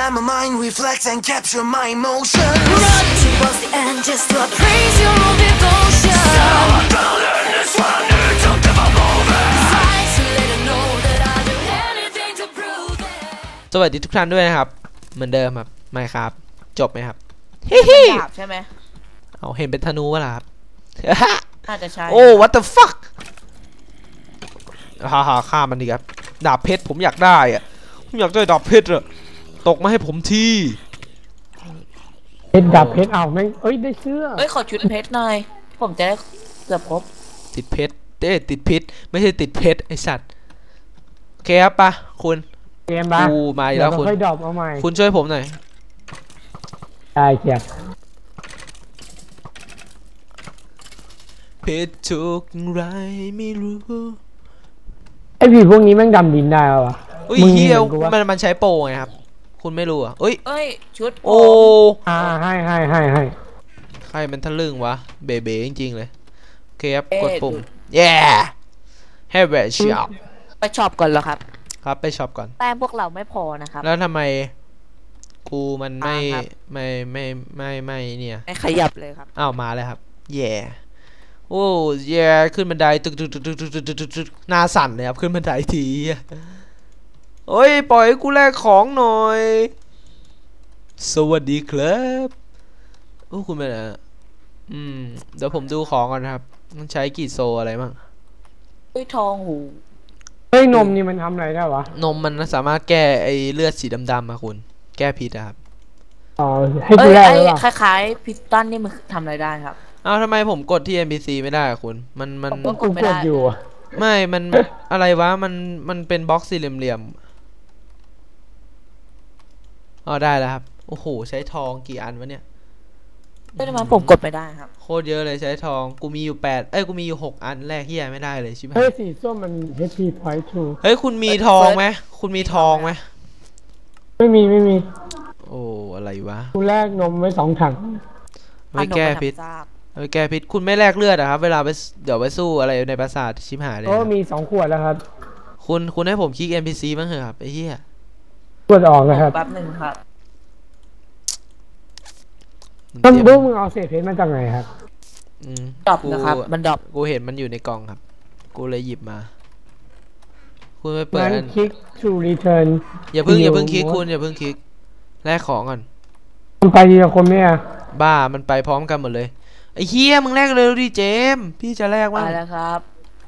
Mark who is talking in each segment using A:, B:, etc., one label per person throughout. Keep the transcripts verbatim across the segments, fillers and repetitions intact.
A: Let my mind reflect and capture my emotions. Run towards the end just to appraise your own devotion. So I'm gonna learn this one, don't give up over. Fight to let them know that I'll do anything to prove it. สวัสดีทุกท่านด้วยนะครับเหมือนเดิมครับไม่ครับจบไหมครับฮิฮิดาบใช่ไหมเอาเห็นเป็นธนูวะล่ะครับน่าจะใช่โอ้ what the fuck ฮ่าฮ่าฆ่ามันดีครับดาบเพชรผมอยากได้อะผมอยากได้ดาบเพชรอะตกมาให้ผมที
B: เพชรดาบเพชรเอาแม่งเอ้ยได้เสื้อ
C: เอ้ยขอชุดเพชรหน่อยผมจะได้เกือบครบ
A: ติดเพชรเด้ติดพิษไม่ใช่ติดเพชรไอสัตว์โอเคครับปะคุณ
B: เกมบ้า
A: กูมาแล้วคุณคุณช่วยผมหน่อย
B: ได้เชียบ
A: เพชรทุกไรไม่รู้
B: ไอผีพวกนี้แม่งดำดินได้หรอ
A: อุ้ยเฮียมันมันใช้โปรไงครับคุณไม่รู้อ่ะเอ้ย
C: เอ้ยชุด
A: โอ้
B: อ่าให้ให้ให้ให้
A: ใครมันทะลึ่งวะเบ๋เบ๋จริงๆเลยโอเคครับกดปุ่ม yeah ให้แวะช็อป
C: ไปช็อปก่อนเหรอครับ
A: ครับไปช็อปก่อน
C: แต้มพวกเราไม่พอนะครับ
A: แล้วทำไมกูมันไม่ไม่ไม่ไม่ไม่เนี่ย
C: ไม่ขยับเลยครับ
A: อ้าวมาเลยครับแย่โอ้แย่ขึ้นบันไดตึกตึกตึกตึกตึกตึกตึกตึกหน้าสั่นเลยครับขึ้นบันไดทีโอ้ยปล่อยกูแลกของหน่อยสวัสดีครับโอ้คุณเป็นอะไรอืมเดี๋ยวผมดูของก่อนนะครับมันใช้กี่โซอะไรบ้าง
C: เฮ้ยทองหู
B: เฮ้ยนมนี่มันทำอะไรได้วะ
A: นมมันสามารถแก้ไอเลือดสีดำๆมาคุณแก้พิษครับ
B: อ๋อให้กูแลกหรือเปล่า
C: คล้ายๆพิสตันนี่มันทำอะไรได้ครับ
A: อ้าวทำไมผมกดที่ เอ็น พี ซี ไม่ได้คุณมันมัน
B: กูกดอยู่
A: ไม่มันอะไรวะมันมันเป็นบล็อกสี่เหลี่ยมๆอ๋อได้แล้วครับโอ้โหใช้ทองกี่อันวะเนี่ย
C: ไม่ได้มาผมกดไม่ได้ครับ
A: โคตรเยอะเลยใช้ทองกูมีอยู่แปดเอ้ยกูมีอยู่หกอันแรกที่ยังไม่ได้เลยใช่ไหม
B: เฮ้ยสีส้มมัน เอช พี point two
A: เฮ้ยคุณมีทองไหมคุณมีทองไหม
B: ไม่มีไม่มี
A: โอ้อะไรวะ
B: กูแลกนมไว้สองถัง
A: ไว้แก้พิษไว้แก้พิษคุณไม่แลกเลือดอะครับเวลาไปเดี๋ยวไปสู้อะไรในปราสาทชิบหายเลย
B: โอ้มีสองขวดแล้วครับ
A: คุณคุณให้ผมคลิก เอ็น พี ซี บ้างเหรอครับไอ้เหี้ย
B: ขวดออกนะครับ
C: แป๊บหนึ่งครับ
B: ต้นบุ้งมึงเอาเศษเพชรมาจากไหนครับ
A: อืม
C: ดรอปนะครับมันดรอป
A: กูเห็นมันอยู่ในกล่องครับกูเลยหยิบมาคุณไปเปิด
B: คลิก to return
A: อย่าเพิ่งอย่าเพิ่งคลิกคุณอย่าเพิ่งคลิกแลกของก่อน
B: มันไปทีละคนไหมอะ
A: บ้ามันไปพร้อมกันหมดเลยไอ้เฮียมึงแลกเลยดิเจมพี่จะแลกว่า
C: ไปแล้วครับ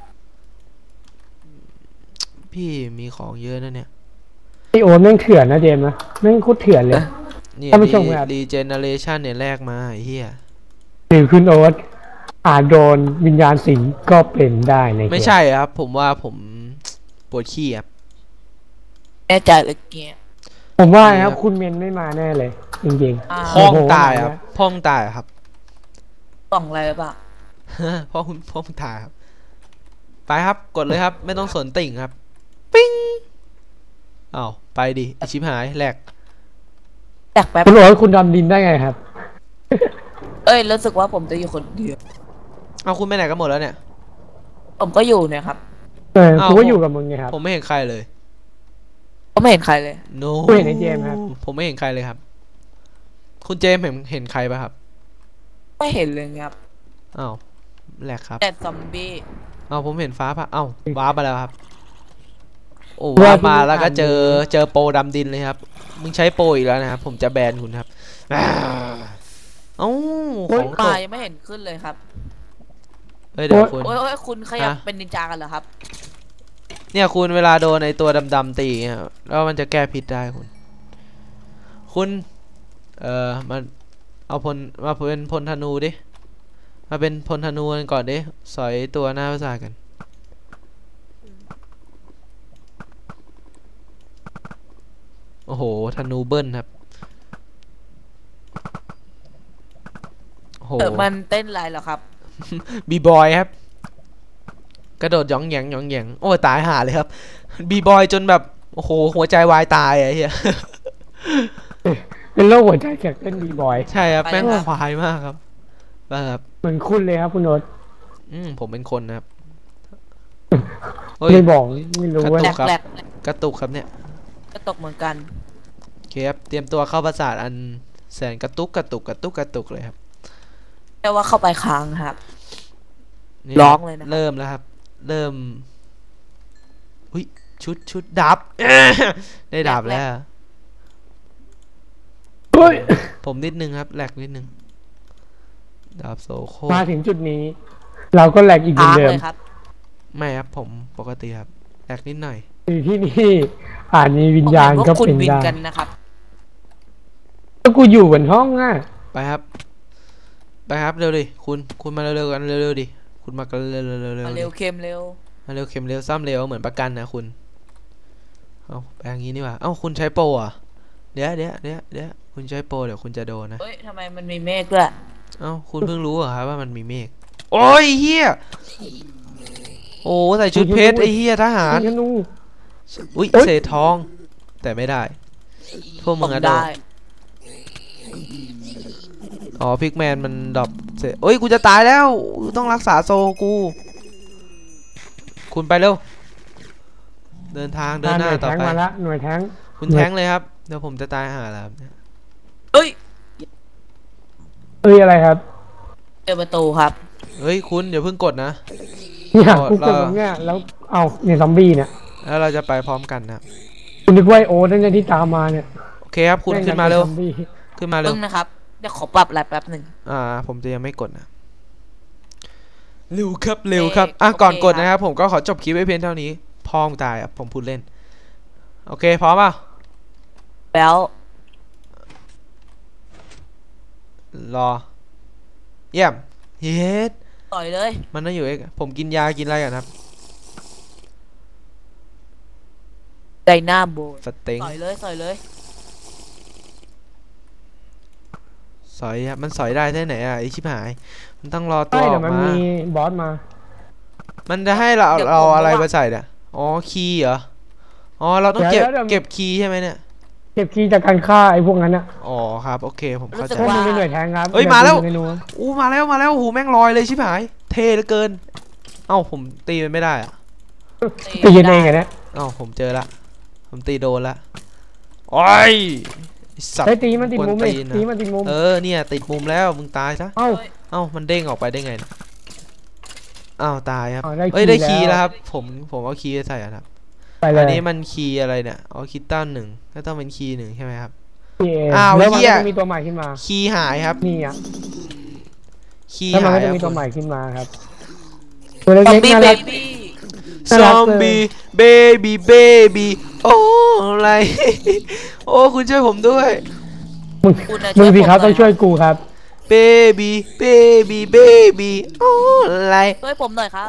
A: พี่มีของเยอะนะเนี่ย
B: ไอโอนแม่งเถื่อนนะเจมนะแม่งโคตรเถื่อนเลย
A: เนี่ยรีเจเนเรชันเนี่ยแลกมาไอ้เฮีย
B: หรือคุณโอ๊ตอาจโดนวิญญาณสิงก็เป็นได้ใน
A: ไม่ใช่ครับผมว่าผมปวดขี้ครับ
C: แน่ใจเลยเกีย
B: ผมว่าครับคุณเมนไม่มาแน่เลยจริง
A: ๆพ้องตายครับพ้องตายครับ
C: กล่องอะไรป่ะ
A: พ่อคุณพ่อคุณตายครับไปครับกดเลยครับไม่ต้องสนติ่งครับปิ้งอ้าวไปดิชิบหายแหลก
C: แตกแป๊บ
B: คุณโอ๊ตคุณดำดินได้ไงครับ
C: เอ้ยรู้สึกว่าผมจะอยู่คนเดียว
A: เอาคุณไปไหนกันหมดแล้วเนี่ย
C: ผมก็อยู่เนี่ยครับ
B: เออผมก็อยู่กับมึงไงครับ
A: ผมไม่เห็นใครเลย
C: ผมไม่เห็นใครเลย
A: no
B: ไม่เห็นไอ้เจมครับ
A: ผมไม่เห็นใครเลยครับคุณเจมเห็นเห็นใครป่ะครับ
C: ไม่เห็นเลยครับ
A: อ้าวแหลกครับ
C: แต่ซอมบี้
A: อ้าวผมเห็นฟ้าป่ะอ้าวว้าไปแล้วครับโอ้ว้ามาแล้วก็เจอเจอโปรดำดินเลยครับมึงใช้โปรอีกแล้วนะครับผมจะแบนคุณครับเอ้าของ
C: ตายไม่เห็นขึ้นเลยครับ
A: เฮ้ยเดี๋ยวคุณ
C: โอ้ยคุณขยับเป็นนินจากันเหรอครับ
A: เนี่ยคุณเวลาโดนในตัวดำๆตีเนี่ยแล้วมันจะแก้พิษได้คุณคุณเอ่อมันเอาพลมาเป็นพลธนูดิมาเป็นพลธนูกันก่อนดิสอยตัวหน้าปราสาทกันโอ้โหธนูเบิ้ลครับ
C: โหมันเต้นอะไรเหรอครับ
A: บีบอยครับกระโดดย่องแยงย่องแยงโอ้ตายห่าเลยครับบีบอยจนแบบโอ้โหหัวใจวายตายไอ้เหี้ย
B: เป็นโรคหัวใจแข็งเต้นบีบอย
A: ใช่ครับแม่งควายมากครับแบบ
B: เหมือนคุณเลยครับคุณโอ๊ต
A: อืมผมเป็นคนนะครับ
B: ไม่บอกไม่รู้
A: ว่ากระตุกครับกระตุกครับเนี่ย
C: กระตุกเหมือนกัน
D: เคครับเตรียมตัวเข้าปราสาทอันแสนกระตุกกระตุกกระตุกกระตุกเลยครับ
C: แปลว่าเข้าไปค้างครับ
D: นี่
C: ร้องเลยนะครับ
D: เริ่มแล้วครับ เริ่มอุ้ยชุดชุดดับ ได้ดับแล้ว
B: เฮ้ย
D: ผมนิดนึงครับแหลกนิดนึงดาบโซโค
B: มาถึงจุดนี้ เราก็แหลกอีกเหมือ
C: ค้าน ง
B: เดิม
C: เลยครับ
D: ไม่ครับผมปกติครับแหลกนิดหน่อย
B: อยู่ที่นี่อาจมีวิญญาณ
C: ผมเห็น
B: ก็
C: ว่าคุณ
B: เป็น
C: วิน
B: ได้
C: กันนะครับ
B: ก็กูอยู่บนห้องอ่ะ
D: ไปครับไปครับเร็วดิคุณคุณมาเร็วๆกันเร็วๆดิคุณมากันเร็วๆเร็วๆเร็ว
C: มา
D: ๆ
C: เร็ว
D: ดิ
C: เค็มเร็ว
D: มาเร็วเข็มเร็วซ้ำเร็วเหมือนประกันนะคุณเอาไปอย่างนี้นี่หว่าเอ้าคุณใช้โปรอ่ะเดี๋ยวเดี๋ยวเดี๋ยวเดี๋ยวคุณใช้โปรเดี๋ยวคุณจะโดนนะ
C: เฮ้ยทำไมมันมีเมฆด้วย
D: เอ้าคุณเพิ่งรู้เหรอครับว่ามันมีเมฆโอ้ยเฮียโอ้ใส่ชุดเพชรไอ้เฮียทหาร
B: ธนู
D: อุ้ย
B: เอ้ย
D: เศษทอง แต่ไม่ได้พวก
C: ผ
D: มึง
C: ม
D: อะโด
C: ได้
D: นอ๋อพิกแมนมันดรอปเศษโอ้ยกูจะตายแล้วต้องรักษาโซกู คุณไปเร็วเดินทางเดินหน้า
B: หน่วย
D: ต่อ
B: แทง
D: ไป
B: มาละหน่วยแทง
D: คุณแท้งเลยครับเดี๋ยวผมจะตายห่าแล้วครับ
C: เฮ้ย
B: เอ้ยอะไรครับ
C: เจอประตูครับ
D: เฮ้ยคุณเดี๋ยวเพิ่งกดนะ
B: เนี่ย
D: เรา
B: กูกดตรงเนี้ยแล้วเอาเนี่ยซอมบี้เนี่ย
D: แล้วเราจะไปพร้อมกันนะครับ
B: คุณนึกว่าไอ้โอ๊ตนั่นเนี่ยที่ตามมาเนี่ย
D: โอเคครับคุณขึ้นมาเร็ว
B: ซอมบี้
D: ขึ้นมาเร็
C: เพิ่
D: ว
C: งนะครับ เดี๋ยวขอปรับอะไรแป๊บหนึ่ง
D: อ่าผมจะยังไม่กดนะเร็วครับเร็วครับอ่ะก่อนกดนะครับผมก็ขอจบคลิปไว้เพียงเท่านี้พ่อมงตายอ่ะผมพูดเล่นโอเคพร้อมป่ะ
C: แล้ว
D: รอเยี่ยมเย็ด
C: ต่อยเลย
D: มันต้องอยู่เอกผมกินยากินอะไรกันครับ
C: ไดนาโบ
D: สเต็ง
C: ต่อยเลยต่อยเลย
D: สอยครับมันสอยได้ที่ไหนอ่ะไอชิบหายมันต้องรอตัว
B: ใช่
D: อ
B: แต่
D: อก
B: มัน
D: มา
B: มีบอสมา
D: มันจะให้เราเราอะไรมาใส่เนี่ยอ๋อคีย์เหรออ๋อเราต้องเก็บเก็บคีย์ใช่ไหมเนี่ย
B: เก็บคีย์จากการฆ่าไอ้พวกนั้นอ่ะ
D: อ๋อครับโอเคผมเข้าใจ
B: พวกมึงเป็นหน่วยแทงครับ
D: เอ้ยมาแล้ว
B: เดี๋ยกูดูเมนู
D: อู้มาแล้วมาแล้วโอ้โหแม่งลอยเลยชิบหายเท่เหลือเกินเอ้าผมตีมันไม่ได้อะ
B: ตีกันเองไงเนี่ย
D: เอ้าผมเจอละผมตีโดนละโอ้ยไอ้สัต
B: ไอ้ย
D: ว์
B: ตีมันติดมุม
D: กวน
B: เลย
D: ตีนนะ
B: ตีมันติดมุม
D: เออเนี่ยติดมุมแล้วมึงตายซะ
B: เอ้า
D: เอ้ามันเด้งออกไปได้ไงเนี่ยอ้าวตายครับ
B: อ๋อได้
D: เอ้ยได้
B: คี
D: คี
B: ย์
D: ย์
B: แล้
D: แล้ว วครับผมผมเอาคีย์ใส่อะครับ
B: ไปเล
D: อั
B: ย
D: นนี้มันคีย์อะไรเนี่ยอ๋อคีย์ตั้นหนึ่งก็ต้องเป็นคีย์หนึ่งใช่ไหมครับ
B: นี่เง
D: อ้าว
B: แล้วมัน
D: เหี้ย
B: ก็จะมีตัวใหม่ขึ้นมา
D: คีย์หายครับ
B: นี่อ่ะ
D: คีย์
B: แล้วมัน
D: หาย
B: ก็
D: ค
B: จะ
D: รับ
B: มีตัวใหม่ขึ้นมาครับตัว
C: ซอม
B: เล็กๆ
C: บี้
B: น่า
C: เบ
B: รัก
C: บี้
D: ซ
B: น่ารั
D: อก ม
B: เลย
D: บี้เบบี้เบบี้โอ้อะไร โอ้คุณช่วยผมด้วย
B: มึง
C: คุณน่ะ
B: มึงสิ
C: ผม
B: ครับ
C: หน่
B: ต้องช่วยกูครับ
D: เบบี้เบบี้เบบี้โอ้อะไร
C: ช่วยผมหน่อยครับ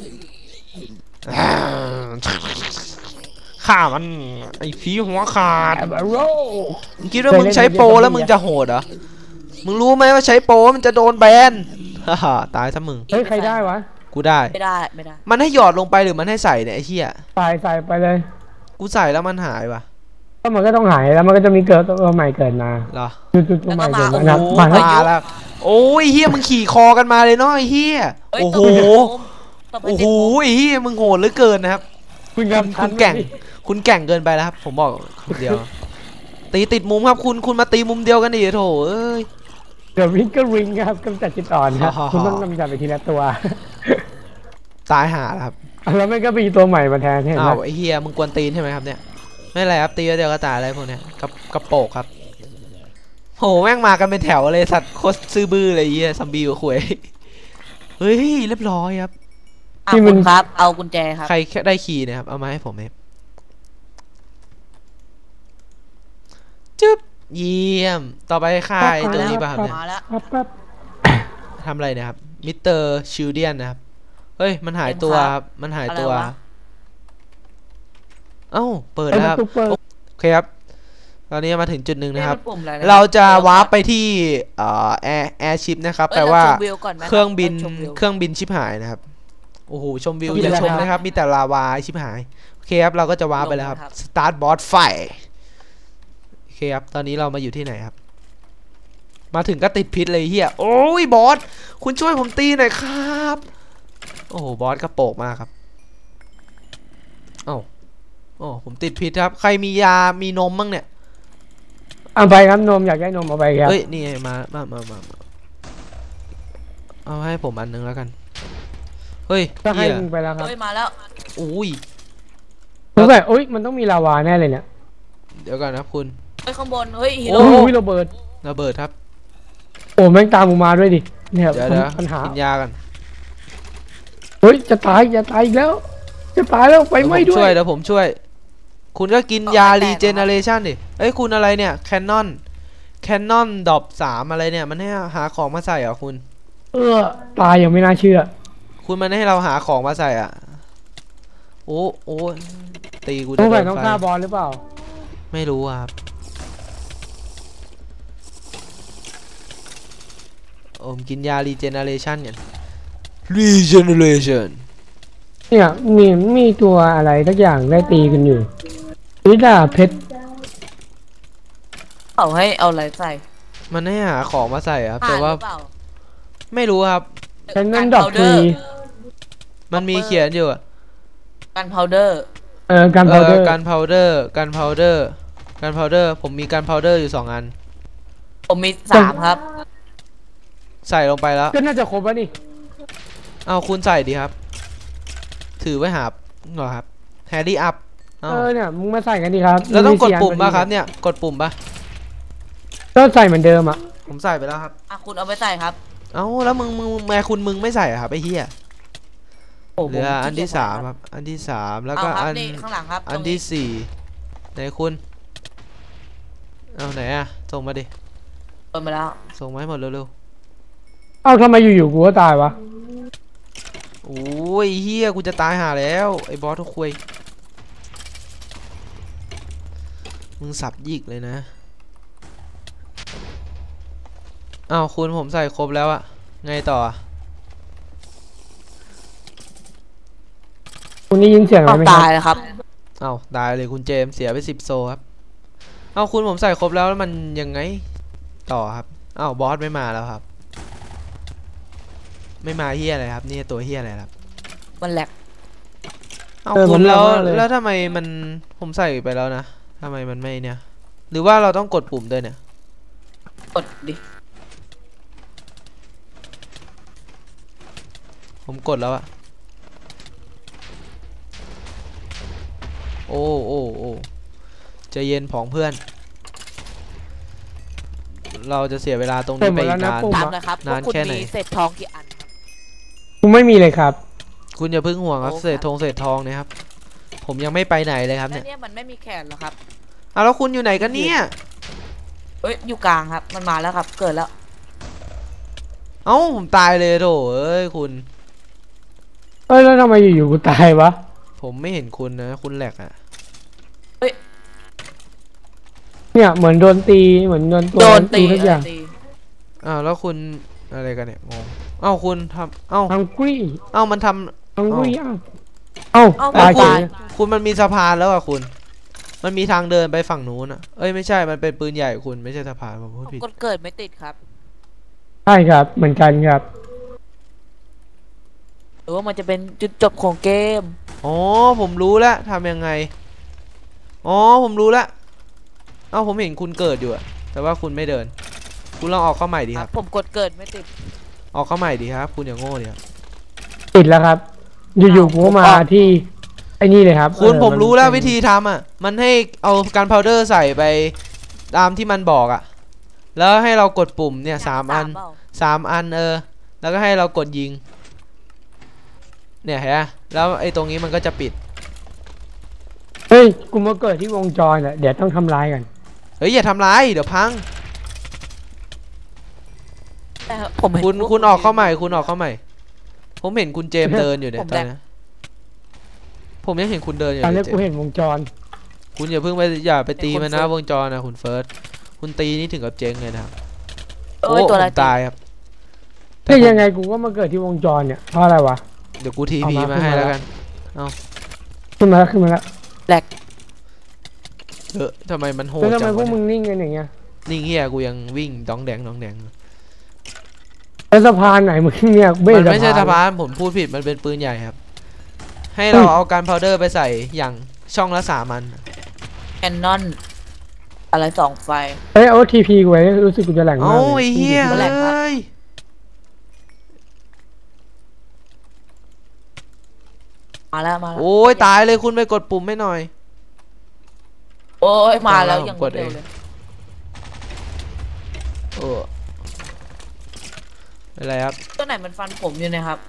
D: ข่ามันไอ้ผีหัวขาด
B: แอบโร่
D: มึงคิดว่ามึงใช้โปรแล้วมึงจะโหดเหรอมึงรู้ไหมว่าใช้โปรมันจะโดนแบนฮ่าฮ่าตายซะมึง
B: เฮ้ยใครได้วะ
D: กูได้
C: ไม่ได้ไม่ได้
D: มันให้หยอดลงไปหรือมันให้ใส่เนี่ยไอ้เหี้ย
B: ใส่ใส่ไปเลย
D: กูใส่แล้วมันหายว่ะ
B: ก็มันก็ต้องหายแล้วมันก็จะมีเกิดตัวใหม่เกิดมา
D: เหรอ
B: จุดจุดตัวใหม่เกิดมา
D: โอ้
B: นะ
D: โห
B: มาแล้ว
D: มาแล้วโอ้ยเฮียมึงขี่คอกันมาเลยเนาะไอ้เฮีย
C: เฮ้ย
D: โอ้โห
C: ตบไป
D: โอ้
C: เต็
D: โห
C: มมุม
D: ไอ้เฮียมึงโหดเหลือเกินนะครับ
B: คุณ
D: คุณ
B: ทั
D: คุ
B: น
D: ณ
B: ไหม
D: แก่ง คุณแก่งเกินไปแล้วครับ ผมบอกคนเดียว ตีติดมุมครับคุณคุณมาตีมุมเดียวกันดิโถเอ้ย
B: เดี๋ยววิงก็ริงครับกำจัดจิตอ่อนครับ
D: ฮ่าฮ่า
B: คุณต้องกำจัดไปทีละตัว
D: ตายหาแล้วครับ
B: แล้วมันก็มีตัวใหม่มาแทนเห็นไหม
D: อ้าวไอ้เฮียมึงกวนตีนใช่ไหมครับเนี่ยไม่เป็นไรครับตีแล้วเดียวก็ตายอะไรพวกเนี้ยกับกระโปกครับโหแม่งมากันเป็นแถวเลยสัตว์โคตรซื่อบื้อเลยไอ้เฮียซัมบี้กับขวยเฮ้ยเรียบร้อยครับ
C: อ่ะคุณครับ เอากุญแจครับ
D: ใครแค่ได้คีย์เนะครับเอามาให้ผมเองจึ๊บเยี่ยมต่อไปค่ายตัวนี้ป่ะครับเนี่ย
C: มาแล้ว
B: ปั๊บปั๊บ
D: ทำอะไรเนะครับมิสเตอร์ชิลเดียนนะครับเฮ้ยมันหายตัวครับมันหายตัว
C: อะไรวะ
D: เอ้าเปิด
B: ไอ้
D: แล้ว
B: มั
D: คน รับ
B: ซุปเปอร์
D: โอเคครับตอนนี้มาถึงจุดหนึ่งนะครับ
C: เอ๊ะมัปุ่มอไน
D: เราจะวาร์ปไปที่เอ่อแอร์แอร์ชิปนะครับ
C: เอ้ย
D: แปลว่า
C: เรชมวิวก่อนไหม
D: เครื่องบิน
C: ชมวิว
D: เครื่องบินชิบหายนะครับโอ้โหชมวิว
B: ชมวิว
D: อย่าชม
B: แล้ว
D: นะครับมีแต่ลาวาชิบหายโอเคครับเราก็จะวาร์ปไปแล้วครับ
C: ลงนะครับ
D: สตาร์ทบอสไฟโอเคครับตอนนี้เรามาอยู่ที่ไหนครับ มาถึงก็ติดพิษเลยเฮียโอ้ยบอสคุณช่วยผมตีหน่อยครับโอ้โหบอสกระโปกมากครับเอ้าโอ้ผมติดพิษครับใครมียามีนมบ้างเนี่ย
B: เอาไปครับนมอยากได้นมเอาไปครับ
D: เฮ้ยนี่ไงมามามามามาเอาให้ผมอันนึงแล้วกันเฮ้ย
B: ก็ให้
D: เหี้ย
B: มึงไปแล้วครับ
C: เฮ้ยมาแล้ว
D: อุ้ย
B: สงสัยโอ๊ยมันต้องมีลาวาแน่เลยเนี่ย
D: เดี๋ยวก่อนนะคุณ
C: เฮ้ยข้างบนเฮ้ยฮี
B: โอ้
C: โร่
B: โหระเบิด
D: ระเบิดครับ
B: โอ้แม่งตามกูมาด้วยดิเนี่ย
D: เดี๋ยวเดี๋ยว
B: ปัญหา
D: กินยากัน
B: เฮ้ยจะตายจะตายอีกแล้ว จะตายแล้วไฟไหม้
D: เดี๋ยวผม
B: ด้
D: ช่
B: ว
D: วย
B: ย
D: เดี๋ยวผมช่วย คุณก็กินยารีเจเนเรชันดิเอ้ยคุณอะไรเนี่ยแคนนอนแคนนอนดอบสามอะไรเนี่ยมันให้หาของมาใส่เหรอคุณ
B: เออตายยังไม่น่าเชื่อ
D: คุณมันให้เราหาของมาใส่อ่ะโอ้โอ้ตีกู
B: ส
D: จะ
B: ง
D: โด
B: สัย
D: น
B: ต้อง
D: ไฟ
B: ฆ่าบอลหรือเปล่า
D: ไม่รู้อะครับโอมกินยารีเจเนเรชันกันรีเจเนเรชัน
B: เนี่ยมีมีตัวอะไรทักอย่างได้ตีกันอยู่นี่ดาเพชร
C: เอาให้เอาอะไรใส่
D: มันให้หาของมาใส่ครับ
C: ผ่า
D: แต่
C: นห
D: ว่า
C: รือเปล่า
D: ไม่รู้ครับ
B: ฉันนั่นดอกที
D: มันมีเขียนอยู่อะ
C: กันพาวเดอร์
B: เออการ
D: เอ
B: พาวเดอ
D: อ
B: ร์
D: การพาวเดอร์การพาวเดอร์การพาวเดอร์ผมมีการพาวเดอร์อยู่สองอัน
C: ผมมีสามครับ
D: ใส่ลงไปแล้ว
B: ก็น่าจะครบแล้วนี่
D: เอาคุณใส่ดีครับ ถือไว้หาเหรอครับแฮร์รี่อัพ
B: เออเนี่ยมึงมาใส่กันดิครับ
D: แล้วต้องกด
B: น
D: ปุ่ม
B: สี่
D: ป่ะ
B: น
D: ครับเนี่ยกดปุ่มป่ะ
B: ก็ใส่เหมือนเดิมอ่ะ
D: ผมใส่ไปแล้วครับ
C: อ่ะคุณเอาไปใส่ครับ
D: เอ้าแล้วมึงมึงแม่คุณมึงไม่ใส่อะครับไอ้เหี้ย
C: โอ้
D: เหลืออันที่สามครับอันที่สามแล้ว
C: เอา
D: ก็
C: ครับ
D: อัน
C: นี่ข้างหลังครับ
D: อัน
C: ตรง
D: ที่สี่ไหนคุณเอาไหนอะส่งมาดิ
C: เปิดมาแล้ว
D: ส่งมาให้หมดเร็ว
B: เอ้าทำไมอยู่ๆกูก็ตายวะ
D: ๆโอ้ยเฮียกูจะตายหาแล้วไอ้บอสทุกคุยมึงสับยิกเลยนะอ้าวคุณผมใส่ครบแล้วอะไงต่ออะ
B: คุณได้ยินเสียงอะไร
C: เอา
B: ไหมค
C: ตาย
B: รับ
C: แล้วครับ
D: อ้าวตายเลยคุณเจมส์เสียไปสิบโซครับอ้าวคุณผมใส่ครบแล้วแล้วมันยังไงต่อครับอ้าวบอสไม่มาแล้วครับ ไม่มาเฮียอะไรครับนี่ตัวเฮียอะไรครับ
C: มันแหลก
D: เอาคุณแล้วแล้วทำไมมันผมใส่ไปแล้วนะทำไมมันไม่เนี่ยหรือว่าเราต้องกดปุ่มด้วยเนี่ย
C: กดดิ
D: ผมกดแล้วอะโอ้โอ้โอ้ใจเย็นผองเพื่อน เราจะเสียเวลาตรงนี้ไปอีกนาน
C: ถามนะครับ
D: นาน
C: ว่าคุณ
D: แค่ไหน
C: มีเศษทองกี่อันครับ
B: กูไม่มีเลยครับ
D: คุณอย่าเพิ่งห่วงครับ
C: โอ้ครับ
D: เศษทองเศษทองเนี่ยครับ ผมยังไม่ไปไหนเลยครับ
C: แล้ว
D: เนี่ย
C: เนี่ยมันไม่มีแขนเหรอครับ
D: เอาแล้วคุณอยู่ไหนกันเนี่ย
C: เอ้ยอยู่กลางครับ มันมาแล้วครับ เกิดแล้ว
D: เอ้าผมตายเลยโถเอ้ยคุณ
B: เอ้ยแล้วทำไมอยู่ๆกูตายวะ
D: ผมไม่เห็นคุณนะคุณแหลกอะ
B: เนี่ยเหมือนโดนตีเหมือนโดนตัว
C: โดนตี
B: ทุกอย่าง
C: ตี
D: อ้าวแล้วคุณอะไรกันเนี่ยงงเอ้าคุณทำเอ้า
B: ฮังกี้
D: เอ้ามันทำ
B: ฮังกี้อ้าวเอ้า
C: เอ้า
B: ตาย
C: ตาย
B: เฉย
D: คุณมันมีสะพานแล้วอะคุณ มันมีทางเดินไปฝั่งนู้นอะเอ้ยไม่ใช่มันเป็นปืนใหญ่คุณไม่ใช่สะพานผมพูด
C: ผม
D: ผิด
C: กดเกิดไม่ติดครับ
B: ใช่ครับเหมือนกันครับ
C: หรือว่ามันจะเป็นจุดจบของเกม
D: อ๋อผมรู้แล้วทำยังไงอ๋อผมรู้แล้วเอ้าผมเห็นคุณเกิดอยู่อะแต่ว่าคุณไม่เดิน คุณลองออกเข้าใหม่ดี
C: ค
D: ค
C: รั
D: รั
C: บบ ผมกดเกิดไม่ติด
D: ออกเข้าใหม่ดีครับ คุณอย่าโง่ดิครับ
B: ติดแล้วครับ อยู่ๆกูก็มา
C: อ้าว
B: ที่ไอ้นี่เลยครับ
D: คุณ
B: เออ
D: ผมรู้แล้ว
B: น
D: วิธีทำอะมันให้เอาการพาวเดอร์ใส่ไปตามที่มันบอกอะแล้วให้เรากดปุ่มเนี่ยสามอัน
C: เปล่า
D: สามอันเออแล้วก็ให้เรากดยิงเนี่ยเห็นไหมแล้วไอ้ตรงนี้มันก็จะปิด
B: เฮ้ยกูมาเกิดที่วงจรอ่ะเดี๋ยวต้องทำลายกัน
D: เฮ้ยอย่าทำร้ายเดี๋ยวพัง
C: แต่ผมเห็น
D: คุณ
C: พว
D: คุณออกเข้าใหม่คุณออกเข้าใหม่ ผมเห็นคุณเจมส์เดินอยู่เนี่ย
C: ผม
D: ตอน
C: แหลก
D: นี้ผมยังเห็นคุณเดินอยู่
B: ตอน
D: เล
B: นี้
D: ยเจ
B: กู
D: มส์
B: เห็นวงจร
D: คุณอย่าเพิ่งไปอย่าไปตี
C: ไอ้คน
D: มันนะ
C: เฟิร์ส
D: วงจรนะคุณเฟิร์สคุณตีนี่ถึงกับเจ๊งเลยนะครับ
C: เอ้ยตัว
D: ผ
C: อะไร
D: มตายครับ
B: เฮ้ยยังไงกูก็มาเกิดที่วงจรเนี่ยเพราะอะไรวะ
D: เดี๋ยวกูที
B: เอา
D: พี
B: มา
D: มาให้
B: ขึ้นมา
D: แล้วกัน
B: ขึ้นมาแล้วขึ้นมาแล้ว
D: เออทำไมมันโหด
B: แล้วทำ
D: จั
B: ไม
D: ง
B: พว
D: วะ
B: กมึ
D: เนี่ย
B: งนิ่งกันอย่างเงี้ย
D: นิ่งเฮียกูยังวิ่งดองแดงดองแดง
B: แล้วสะพานไหนมึงเนี่ยเบ้
D: มันไม่ใช่สะ
B: น
D: พานผมพูดผิดมันเป็นปืนใหญ่ครับ ให้เราเอาการพาวเดอร์ไปใส่อย่างช่องละสามอัน
C: แคนนอนอะไรสองไฟ
B: เอ้ยเอาทีพีไว้รู้สึกกูจะแหลง
D: โอ้
B: มากเลย
D: ยเฮีย
C: แหลกครับ
D: เอ้ย
C: มาแล้วมาแล้ว
D: โอ้ยตายเลยคุณไปกดปุ่มไม่หน่อย
C: โอ้ยมาแล้ว
D: ผม
C: ยัง
D: กด
C: เร็ว
D: เอง
C: เลย
D: เอออะไรครับ
C: ตัวไหนมันฟันผมอยู่เนะครับ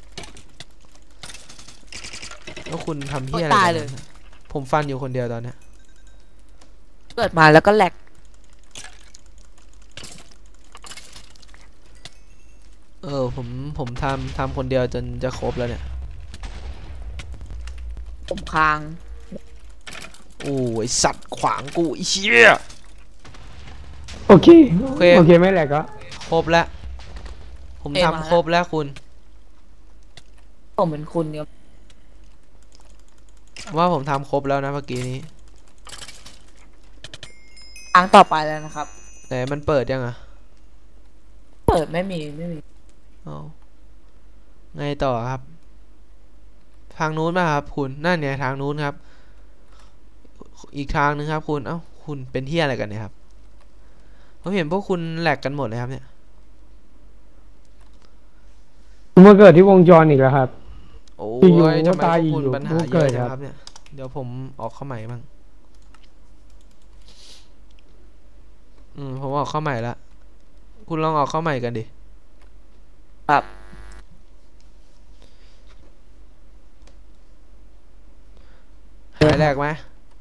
D: แล้วคุณทำเฮียอะไร
C: ตาย
D: กัน
C: เลย
D: ผมฟันอยู่คนเดียวตอนเนี้ย
C: เกิดมาแล้วก็แหลก
D: เออผมผมทำทำคนเดียวจนจะครบแล้วเนี่ย
C: ผมค้าง
D: โอ้ยสัตว์ขวางกูไอ้เชี่ย
B: โอเค
D: โอเค
B: โอเคไม่แหลกก็
D: ครบแล้ว ผมทำครบแล้วคุณ
C: ผมเป็นคุณเนี่ย
D: ว่าผมทำครบแล้วนะเมื่อกี้นี้
C: ค้างต่อไปแล้วนะครับ
D: แต่มันเปิดยังอะ
C: เปิดไม่มีไม่มี
D: เอาไงต่อครับ ทางนู้นป่ะครับคุณนั่นไงทางนู้นครับ อีกทางนึงครับคุณเอ้าคุณเป็นเที่ยอะไรกันเนี่ยครับผมเห็นพวกคุณแหลกกันหมดเลยครับเนี่ย
B: ผมมาเกิดที่วงจรอีกแล้วครับ
D: โอ้
B: อยู่
D: ย
B: ๆ
D: ทำไม
B: ตาย
D: พวกคุณ
B: อยู่ๆ
D: ปัญหา
B: พวก
D: เย
B: เกิ
D: อะ
B: ด
D: จัง
B: ครับ
D: ครับเนี่ยเดี๋ยวผมออกเข้าใหม่บ้างอืมผมออกเข้าใหม่ละคุณลองออกเข้าใหม่กันดิ
C: ครับ
D: หายแหลกไหม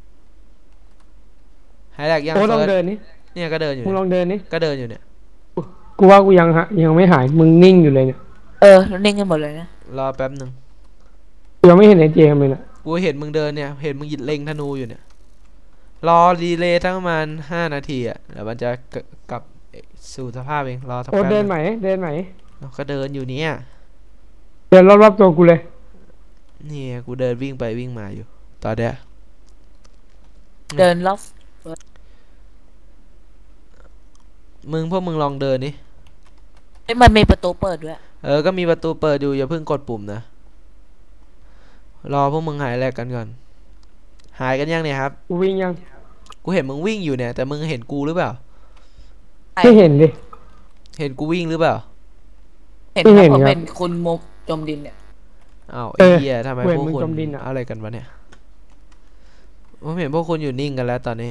D: หายแหลกยัง
B: โอ้ลอง
D: เฟิร์ส
B: เดินนี่
D: เนี่ยก็เดินอยู่
B: มึงล
D: เนี่ย
B: องเดินนี่
D: ก็เดินอยู่เนี่ย
B: กูว่ากูยังฮะยังไม่หายมึงนิ่งอยู่เลยเนี่ย
C: เออแล้วนิ่งกันหมดเลยนะ
D: รอแป๊บหนึ่ง
B: กูยังไม่เห็นไอ้เจมเลยนะ
D: กูเห็นมึงเดินเนี่ยเห็นมึงหยิดเล็งธนูอยู่เนี่ยรอดีเลย์ทั้งประมาณห้านาทีอ่ะเดี๋ยวมันจะกลับสู่สภาพเองรอสัก
B: โอ้
D: แป๊บ
B: เดิน
D: นึง
B: ไหมเดินไหม
D: เอาก็เดินอยู่เนี่ย
B: เดินรอบๆตัวกูเลย
D: นี่กูเดินวิ่งไปวิ่งมาอยู่ตอนเนี้ย
C: เดินรอบ
D: มึงพวกมึงลองเดินนี่
C: เอ้ยมันมีประตูเปิดด้วย
D: เออก็มีประตูเปิดอยู่อย่าเพิ่งกดปุ่มนะรอพวกมึงหายแรกกันก่อนหายกันยังเนี่ยครับ
B: กูวิ่งยัง
D: กูเห็นมึงวิ่งอยู่เนี่ยแต่มึงเห็นกูหรือเปล่า
B: ไม่เห็นดิ
D: เห็นกูวิ่งหรือเปล่า
C: เห็น
B: ไม่
C: ค
B: เห็
C: รับ
B: น
C: ผม
B: ครับ
C: เป็นคุณมุกจมดินเนี่ย
D: อ้าว
B: เอ
D: ไอ้
B: อ
D: เหี้ยทำไม
B: เว้ย
D: พวก
B: มึง
D: คุณ
B: จมดินอะ
D: อะไรกันวะเนี่ยผมเห็นพวกคุณอยู่นิ่งกันแล้วตอนนี้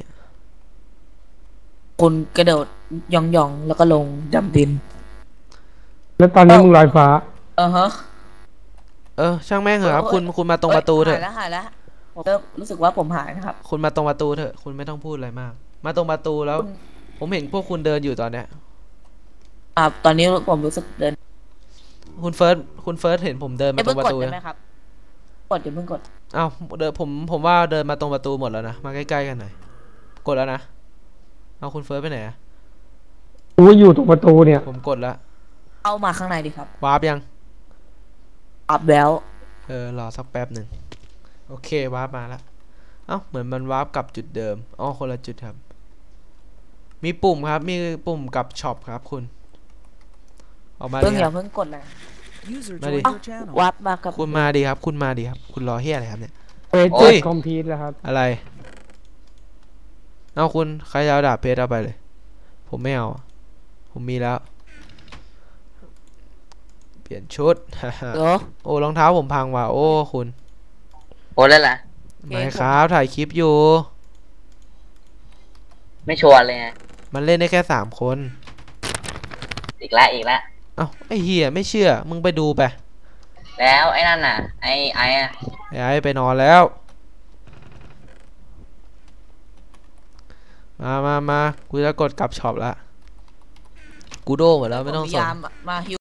C: คุณกระโดดย่องย่องๆแล้วก็ลงดำดิน
B: แล้วตอนนี้มึงลอยฟ้า
C: เออฮะ
D: เออช่างแม่งเหอะครับ
C: เอ้ย
D: คุณคุณมาตรงประตูเถ
C: หา
D: อะ
C: ยแล้วหายแล้วผมเริ่มรู้สึกว่าผมหายนะครับ
D: คุณมาตรงประตูเถอะคุณไม่ต้องพูดอะไรมาก มาตรงประตูแล้ว
C: คุณ
D: ผมเห็นพวกคุณเดินอยู่ตอนเนี้ย
C: อ่าตอนนี้ผมรู้สึกเดิน
D: คุณเฟิร์สคุณเฟิร์สเห็นผมเดิน
C: ไม่
D: มาตร
C: เพิ่ง
D: งป
C: กด
D: ระตู
C: ได้ไหม
D: นะครับ
C: กดอย่าเพิ่งกด
D: อ้าวเดินผมผมว่าเดินมาตรงประตูหมดแล้วนะมาใกล้ๆกันหน่อยกดแล้วนะเอาคุณเฟิร์สไปไหนอะ
B: กูอยู่ตรงประตูเนี่ย
D: ผมกดแล้ว
C: เอามาข้างในดิครับ
D: วาร์ปยัง
C: อัพแล้ว
D: เออรอสักแป๊บหนึ่งโอเควาร์ปมาแล้วเอ้าเหมือนมันวาร์ปกลับจุดเดิมอ๋อคนละจุดครับ มีปุ่มครับมีปุ่มกับช็อปครับคุณออกมา
C: เพิ่ง
D: ดิ
C: อ
D: ค
C: ย่า
D: รับ
C: เพิ่งกดเลย
E: User
D: Ready?
E: joined your channel.
C: วัดมากับ
D: คุณมาดีครับ คุณมาดีครับ คุณรอเฮียอะไรครับเนี่ย
B: เอ
D: โอ้
B: เจ็
D: ย
B: ดคอมพิวต์แล้วครับ
D: อะไรเอาคุณใครจะเอาดาบเพชรเอาไปเลย ผมไม่เอาผมมีแล้ว เปลี่ยนชุด
C: เหรอ
D: โอ้รองเท้าผมพังว่ะโอ้คุณ
F: โอ้แล้วล่ะ
D: ไม่ครับถ่ายคลิปอยู่
F: ไม่ชัวร์เลยไง
D: มันเล่นได้แค่สามคน
F: อีกแล้วอีกแล้ว
D: เอ้าไอ้เฮียไม่เชื่อ มึงไปดูไป
F: แล้วไอ้นั่นน่ะ ไอ้ไอ้อะ
D: ไอ้ไอ้ไปนอนแล้ว มามามากูจะกดกลับช็อปละกูโดหมดแล้วไม่ต้อง
C: พ
D: ส่
C: ยาง ยามมาฮิว